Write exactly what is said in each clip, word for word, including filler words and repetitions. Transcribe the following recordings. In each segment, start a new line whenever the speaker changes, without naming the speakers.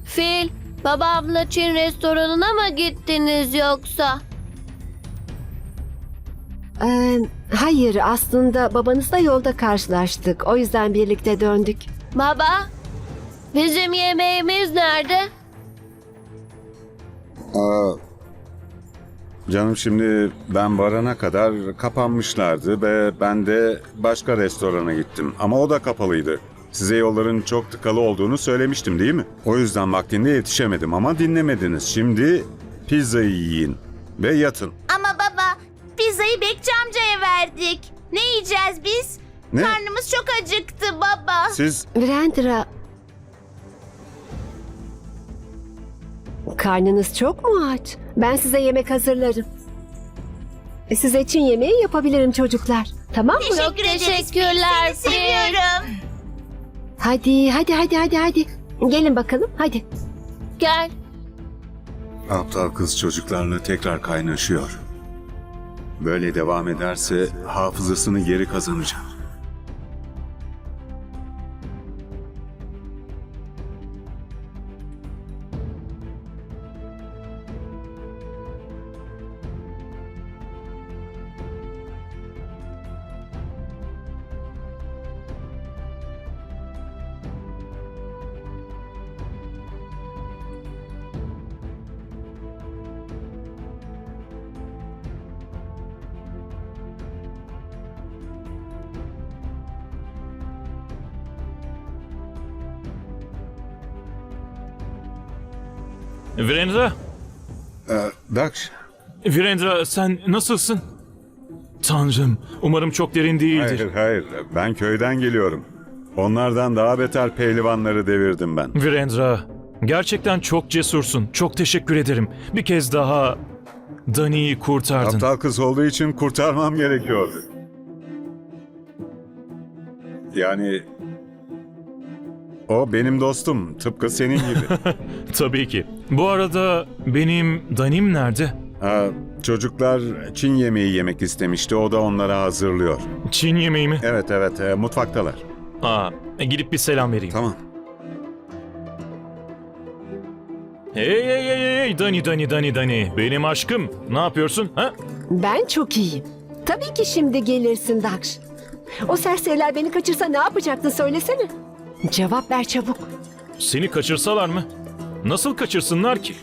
Fil, babamla Çin restoranına mı gittiniz yoksa?
Ee, hayır, aslında babanızla yolda karşılaştık. O yüzden birlikte döndük.
Baba, bizim yemeğimiz nerede?
Aa, canım şimdi ben varana kadar kapanmışlardı ve ben de başka restorana gittim. Ama o da kapalıydı. Size yolların çok tıkalı olduğunu söylemiştim değil mi? O yüzden vaktinde yetişemedim ama dinlemediniz. Şimdi pizzayı yiyin ve yatın.
Ama baba, pizzayı Bekçi amcaya verdik. Ne yiyeceğiz biz?
Ne?
Karnımız çok acıktı baba.
Siz
Virendra... Karnınız çok mu aç? Ben size yemek hazırlarım. E, Size için yemeği yapabilirim çocuklar. Tamam mı?
Teşekkür
Çok
ederiz.
teşekkürler,
Seni seviyorum.
Hadi, hadi, hadi, hadi, hadi. Gelin bakalım, hadi.
Gel.
aptal kız çocuklarla tekrar kaynaşıyor. Böyle devam ederse hafızasını geri kazanacak.
Virendra,
Ee, Daksh,
Virendra sen nasılsın? Tanrım, umarım çok derin değildir.
hayır hayır ben köyden geliyorum. Onlardan daha beter pehlivanları devirdim ben.
Virendra, gerçekten çok cesursun. Çok teşekkür ederim. Bir kez daha Dani'yi kurtardın.
Aptal kız olduğu için kurtarmam gerekiyordu. Yani o benim dostum, tıpkı senin gibi.
Tabii ki. Bu arada benim Dani'm nerede?
Ha, çocuklar Çin yemeği yemek istemişti, o da onlara hazırlıyor.
Çin yemeği mi?
Evet evet, e, mutfaktalar.
Aa, gidip bir selam vereyim.
Tamam.
Hey hey hey hey, hey, Dani Dani Dani Dani. Benim aşkım. Ne yapıyorsun? Ha?
Ben çok iyiyim. Tabii ki şimdi gelirsin Daksh. O serseriler beni kaçırsa ne yapacaktın söylesene. Cevap ver çabuk.
Seni kaçırsalar mı? Nasıl kaçırsınlar ki?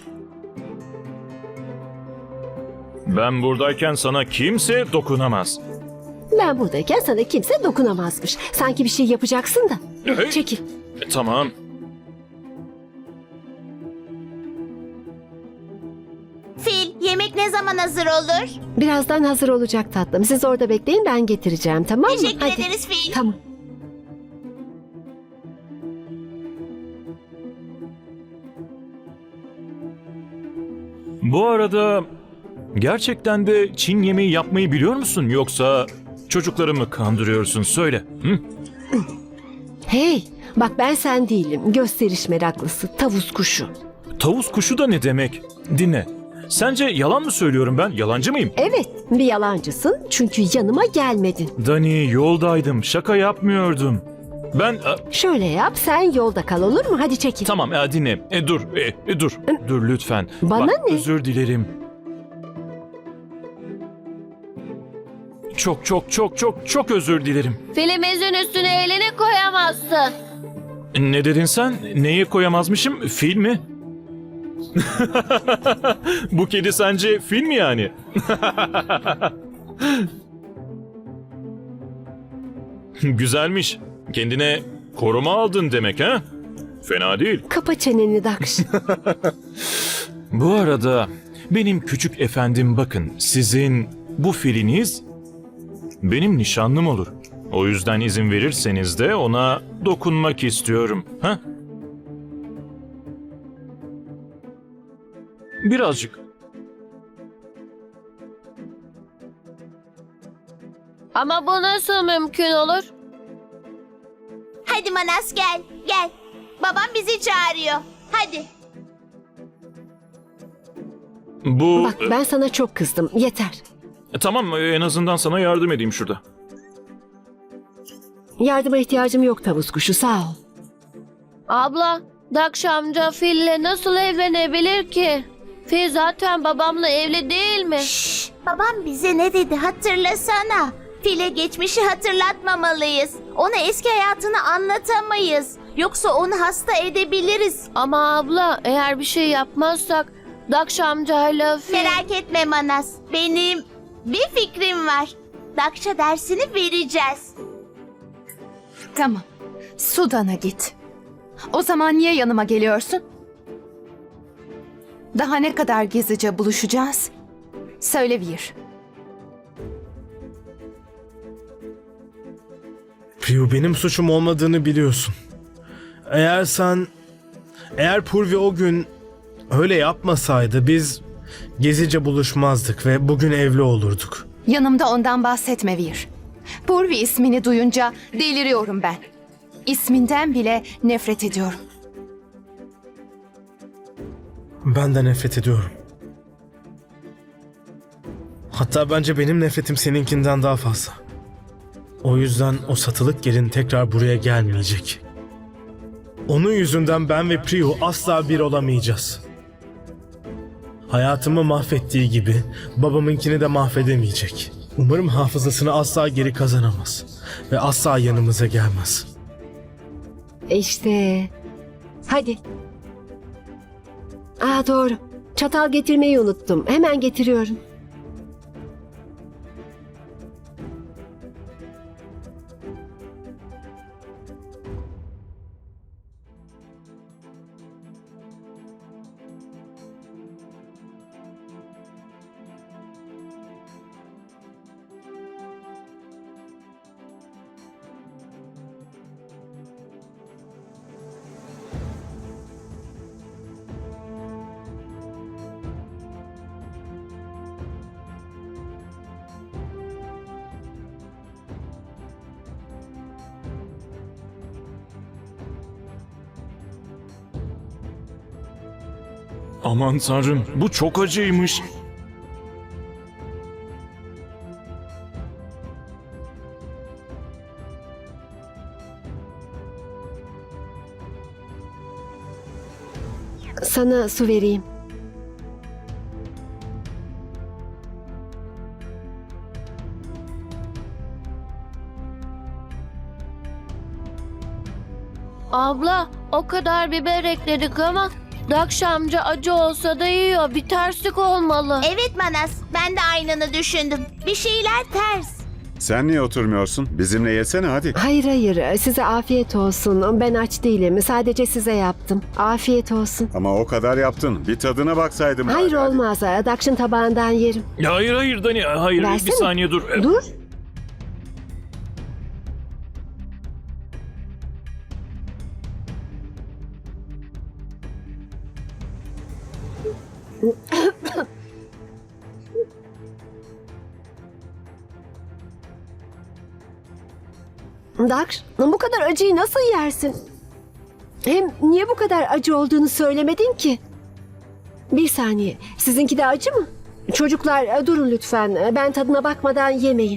Ben buradayken sana kimse dokunamaz.
Ben buradayken sana kimse dokunamazmış. Sanki bir şey yapacaksın da.
Hey.
Çekil.
E, tamam.
Fil, yemek ne zaman hazır olur?
Birazdan hazır olacak tatlım. Siz orada bekleyin, ben getireceğim, tamam mı?
Teşekkür
Hadi.
ederiz Fil.
Tamam.
Bu arada gerçekten de Çin yemeği yapmayı biliyor musun? Yoksa çocukları mı kandırıyorsun? Söyle. Hı?
Hey, bak ben sen değilim. Gösteriş meraklısı, tavus kuşu.
Tavus kuşu da ne demek? Dinle. Sence yalan mı söylüyorum ben? Yalancı mıyım?
Evet, bir yalancısın çünkü yanıma gelmedin.
Dani, yoldaydım. Şaka yapmıyordum. Ben... e,
Şöyle yap, sen yolda kal, olur mu? Hadi çekil.
Tamam e, dinle. E, dur. E, e, dur. Dur lütfen.
Bana
Bak,
ne?
özür dilerim. Çok çok çok çok çok özür dilerim.
Filimizin üstüne elini koyamazsın.
Ne dedin sen? Neyi koyamazmışım? Fil mi? Bu kedi sence fil mi yani? Güzelmiş. Kendine koruma aldın demek ha? Fena değil.
Kapa çeneni Daksh.
Bu arada benim küçük efendim bakın sizin bu filiniz benim nişanlım olur. O yüzden izin verirseniz de ona dokunmak istiyorum. Ha? Birazcık.
Ama bu nasıl mümkün olur?
Hadi Manas gel, gel. Babam bizi çağırıyor. Hadi.
Bu...
Bak ben sana çok kızdım, yeter.
E, tamam en azından sana yardım edeyim şurada.
Yardıma ihtiyacım yok tavus kuşu, sağ ol.
Abla, Dakş amca Fil'le nasıl evlenebilir ki? Fil zaten babamla evli değil mi?
Şşş, babam bize ne dedi hatırlasana. Fil'e geçmişi hatırlatmamalıyız. Ona eski hayatını anlatamayız. Yoksa onu hasta edebiliriz.
Ama abla eğer bir şey yapmazsak Dakş amcayla Fil...
Merak etme Manas. Benim bir fikrim var. Dakş'a dersini vereceğiz.
Tamam. Sudan'a git. O zaman niye yanıma geliyorsun? Daha ne kadar gizlice buluşacağız? Söyle Vir.
Priyu, benim suçum olmadığını biliyorsun. Eğer sen... Eğer Purvi o gün öyle yapmasaydı biz gezice buluşmazdık ve bugün evli olurduk.
Yanımda ondan bahsetme Vir. Purvi ismini duyunca deliriyorum ben. İsminden bile nefret ediyorum.
Ben de nefret ediyorum. Hatta bence benim nefretim seninkinden daha fazla. O yüzden o satılık gelin tekrar buraya gelmeyecek. Onun yüzünden ben ve Priyu asla bir olamayacağız. Hayatımı mahvettiği gibi babamınkini de mahvedemeyecek. Umarım hafızasını asla geri kazanamaz ve asla yanımıza gelmez.
İşte. Hadi. Aa doğru. Çatal getirmeyi unuttum. Hemen getiriyorum.
Aman tanrım, bu çok acıymış.
Sana su vereyim.
Abla o kadar biber ekledik ama Dakş amca acı olsa da yiyor. Bir terslik olmalı.
Evet Manas, ben de aynını düşündüm. Bir şeyler ters.
Sen niye oturmuyorsun? Bizimle yesene hadi.
Hayır hayır, size afiyet olsun. Ben aç değilim. Sadece size yaptım. Afiyet olsun.
Ama o kadar yaptın. Bir tadına baksaydım.
Hayır
bari, hadi.
olmaz. Dakş'ın tabağından yerim.
Ya hayır hayır Dani, hayır
Versene.
bir saniye dur.
Dur. Dakş, bu kadar acıyı nasıl yersin? Hem niye bu kadar acı olduğunu söylemedin ki? Bir saniye, sizinki de acı mı? Çocuklar durun lütfen, ben tadına bakmadan yemeyin.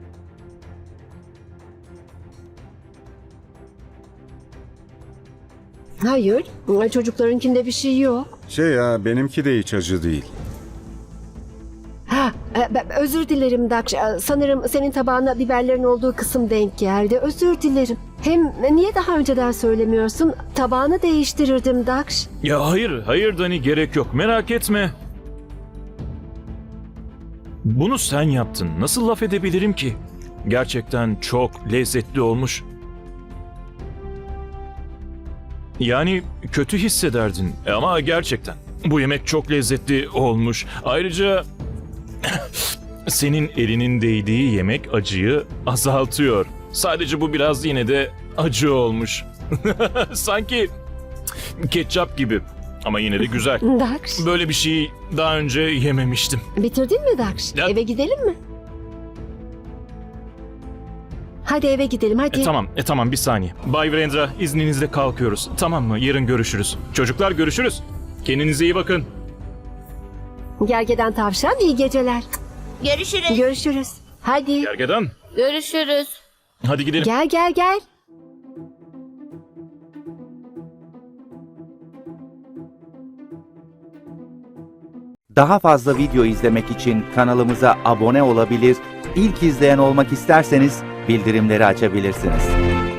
Hayır, çocuklarınkinde bir şey yok.
Şey ya benimki de hiç acı değil.
Ha, e, ben- özür dilerim Dakş. E, Sanırım senin tabağına biberlerin olduğu kısım denk geldi. Özür dilerim. Hem e, niye daha önceden söylemiyorsun? Tabağını değiştirirdim Dakş.
Ya hayır, hayır Dani, gerek yok. Merak etme. Bunu sen yaptın. Nasıl laf edebilirim ki? Gerçekten çok lezzetli olmuş. Yani kötü hissederdin ama gerçekten bu yemek çok lezzetli olmuş. Ayrıca senin elinin değdiği yemek acıyı azaltıyor. Sadece bu biraz yine de acı olmuş. Sanki ketçap gibi ama yine de güzel.
Dakş,
Böyle bir şey daha önce yememiştim.
bitirdin mi Dakş?
Ya-
Eve gidelim mi? Hadi eve gidelim hadi.
E, tamam, e, tamam bir saniye. Bay Virendra, izninizle kalkıyoruz. Tamam mı? Yarın görüşürüz. Çocuklar görüşürüz. Kendinize iyi bakın.
Gergedan tavşan iyi geceler.
Görüşürüz.
Görüşürüz. Hadi
Gergedan,
Görüşürüz.
hadi gidelim.
gel gel gel.
Daha fazla video izlemek için kanalımıza abone olabilir, ilk izleyen olmak isterseniz bildirimleri açabilirsiniz.